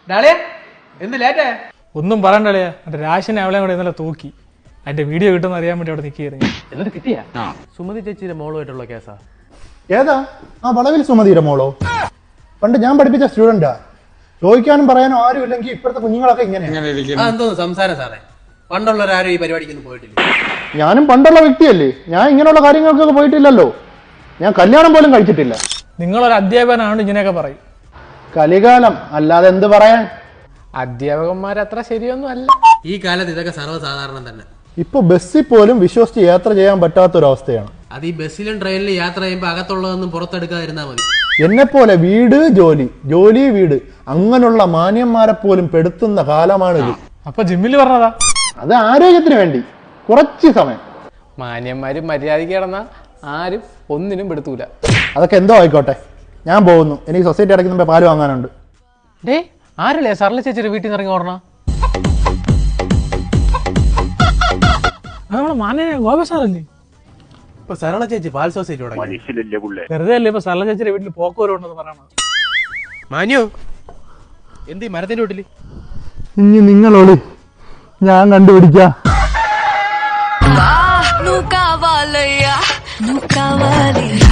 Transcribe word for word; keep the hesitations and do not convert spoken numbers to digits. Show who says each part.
Speaker 1: എന്ത് ലേറ്റേ?
Speaker 2: ഒന്നും പറയണ്ടല്ലേ, മറ്റേ രാശിനെ അവളെ കൂടെ ഇന്നലെ തൂക്കി. അതിന്റെ വീഡിയോ കിട്ടുമെന്ന് അറിയാൻ വേണ്ടി അവിടെ നിൽക്കുകയായിരുന്നു.
Speaker 1: എന്നിട്ട് കിട്ടിയാ? സുമതി ചേച്ചിയുടെ മോളുമായിട്ടുള്ള കേസാ.
Speaker 3: ഏതാ ആ വളവിൽ സുമതിയുടെ മോളോ? പണ്ട് ഞാൻ പഠിപ്പിച്ച സ്റ്റുഡന്റാ. ചോദിക്കാനും പറയാനും ആരും ഇല്ലെങ്കിൽ ഇപ്പോഴത്തെ കുഞ്ഞുങ്ങളൊക്കെ ഇങ്ങനെയാണ്.
Speaker 1: എന്തോന്ന് സംസാരം സാറേ? പണ്ടുള്ളവരാരും ഈ പരിപാടിക്കൊന്നും പോയിട്ടില്ല.
Speaker 3: ഞാനും പണ്ടുള്ള വ്യക്തിയല്ലേ, ഞാൻ ഇങ്ങനെയുള്ള കാര്യങ്ങൾക്കൊക്കെ പോയിട്ടില്ലല്ലോ. ഞാൻ കല്യാണം പോലും കഴിച്ചിട്ടില്ല.
Speaker 2: നിങ്ങളൊരു അധ്യാപകനാണ് ഇങ്ങനെയൊക്കെ പറയും.
Speaker 3: കലികാലം അല്ലാതെ എന്ത് പറയാൻ.
Speaker 2: അധ്യാപകന്മാർ അത്ര ശരിയൊന്നും അല്ല.
Speaker 1: ഈ കാലത്ത് ഇതൊക്കെ സർവ്വസാധാരണം തന്നെ.
Speaker 3: ഇപ്പൊ ബസ്സിൽ പോലും വിശ്വസിച്ച് യാത്ര ചെയ്യാൻ പറ്റാത്തൊരവസ്ഥയാണ്.
Speaker 1: അത് ഈ ബസ്സിലും ട്രെയിനിലും യാത്ര ചെയ്യുമ്പോൾ അകത്തുള്ളതൊന്നും പുറത്തെടുക്കാതിരുന്നാ മതി.
Speaker 3: എന്നെ പോലെ വീട് ജോലി ജോലി വീട് അങ്ങനെയുള്ള മാന്യന്മാരെ പോലും പെടുത്തുന്ന കാലമാണിത്.
Speaker 2: അപ്പൊ ജിമ്മിൽ പറഞ്ഞതാ,
Speaker 3: അത് ആരോഗ്യത്തിന് വേണ്ടി കുറച്ച് സമയം.
Speaker 2: മാന്യന്മാര് മര്യാദയ്ക്ക് കിടന്ന ആരും ഒന്നിനും പെടുത്തൂല.
Speaker 3: അതൊക്കെ എന്തോ ആയിക്കോട്ടെ, ഞാൻ പോകുന്നു. എനിക്ക് സൊസൈറ്റി അടയ്ക്കുന്ന പാല് വാങ്ങാനുണ്ട്.
Speaker 2: ഡേ ആരല്ലേ സർല ചേച്ചിയുടെ വീട്ടിൽ നിന്ന് ഇറങ്ങി ഓടണ? നമ്മളെ മാന്യ ഗോപ സാറല്ലേ?
Speaker 1: ഇപ്പൊ സരള ചേച്ചി പാൽ സൊസൈറ്റി തുടങ്ങി.
Speaker 2: വെറുതെ അല്ലേ ഇപ്പൊ സർല ചേച്ചിയുടെ വീട്ടിൽ പോക്കുവരുണ്ടെന്ന് പറയണത്.
Speaker 1: മാന്യോ എന്ത് മരത്തിന്റെ വീട്ടില്?
Speaker 3: ഇനി നിങ്ങളോട് ഞാൻ കണ്ടുപിടിക്കാം.
Speaker 4: నువ్వు కావాలయ్యా నువ్వు కావాలి